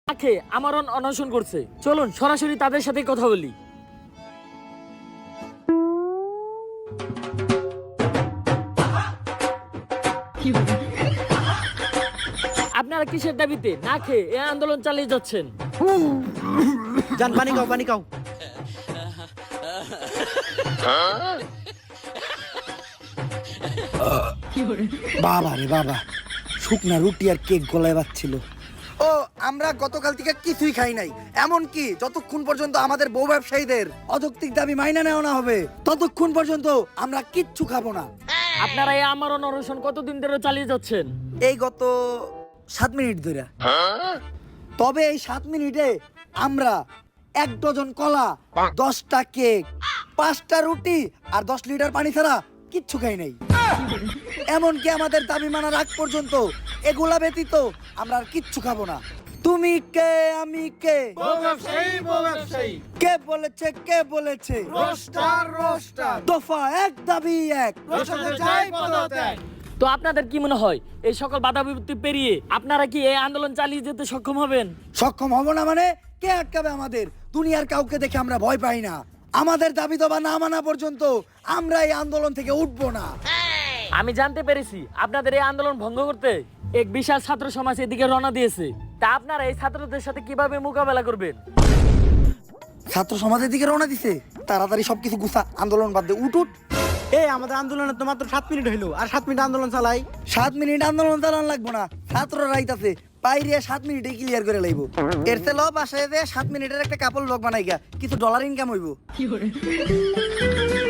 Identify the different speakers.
Speaker 1: আখে আমার অনশন করছে, চলুন সরাসরি তাদের সাথে কথা বলি। আপনারা কিসের দাবিতে না খেয়ে এই আন্দোলন চালিয়ে যাচ্ছেন?
Speaker 2: জান পানি খাও, পানি খাও।
Speaker 3: বাবা রে বাবা, শুকনা রুটি আর কেক গলায় বাজছিল।
Speaker 4: ও আমরা গতকাল থেকে কিছুই খাই নাই, এমন কি যতক্ষণ পর্যন্ত আমাদের বউ ব্যবসায়ীদের
Speaker 3: অযৌক্তিক দাবি মাইনা নেওয়া না হবে ততক্ষণ পর্যন্ত আমরা কিচ্ছু খাবো না।
Speaker 1: আপনারা এই আমার অনশন কতদিন ধরে চালিয়ে যাচ্ছেন?
Speaker 3: এই গত 7 মিনিট ধরে। তবে এই 7 মিনিটে আমরা 1 ডজন কলা, 10টা কেক, 5টা রুটি আর 10 লিটার পানি ছাড়া কিচ্ছু খাই নাই। এমনকি আমাদের দাবি মানার আগ পর্যন্ত এগুলা ব্যতীত আমরা আর কিচ্ছু খাবো না। তুমি কে, আমি কে? কে বলেছে, কে বলেছে? দফা এক, দাবি এক।
Speaker 1: তো আপনাদের কি মনে হয় এই সকল বাধা বিপত্তি পেরিয়ে আপনারা কি এই আন্দোলন চালিয়ে যেতে সক্ষম হবেন?
Speaker 3: সক্ষম হব না মানে? কে আটকাবে আমাদের? দুনিয়ার কাউকে দেখে আমরা ভয় পাই না। আমাদের দাবি দাবা না মানা পর্যন্ত আমরা এই আন্দোলন থেকে উঠবো না।
Speaker 1: আমি জানতে পেরেছি আপনাদের এই আন্দোলন ভঙ্গ করতে এক বিশাল ছাত্র সমাজ এদিকে রওনা দিয়েছে। তা আপনারা এই ছাত্রদের সাথে কিভাবে মোকাবেলা করবেন?
Speaker 3: ছাত্র সমাজের দিকে রওনা দিছে, তাড়াতাড়ি সবকিছু গুছা, আন্দোলন বাদ দে, উঠ উঠ।
Speaker 2: এই আমাদের আন্দোলনে তো মাত্র 7 মিনিট হইলো, আর 7 মিনিট আন্দোলন চালাই।
Speaker 3: 7 মিনিট আন্দোলন চালান লাগবো না, ছাত্র রাইতাছে বাইরে 7 মিনিটে ক্লিয়ার করে লাইব। এর চেয়ে ল বাসায় যে 7 মিনিটের একটা কাপড় ব্লগ বানাই গা, কিছু ডলার ইনকাম হইব।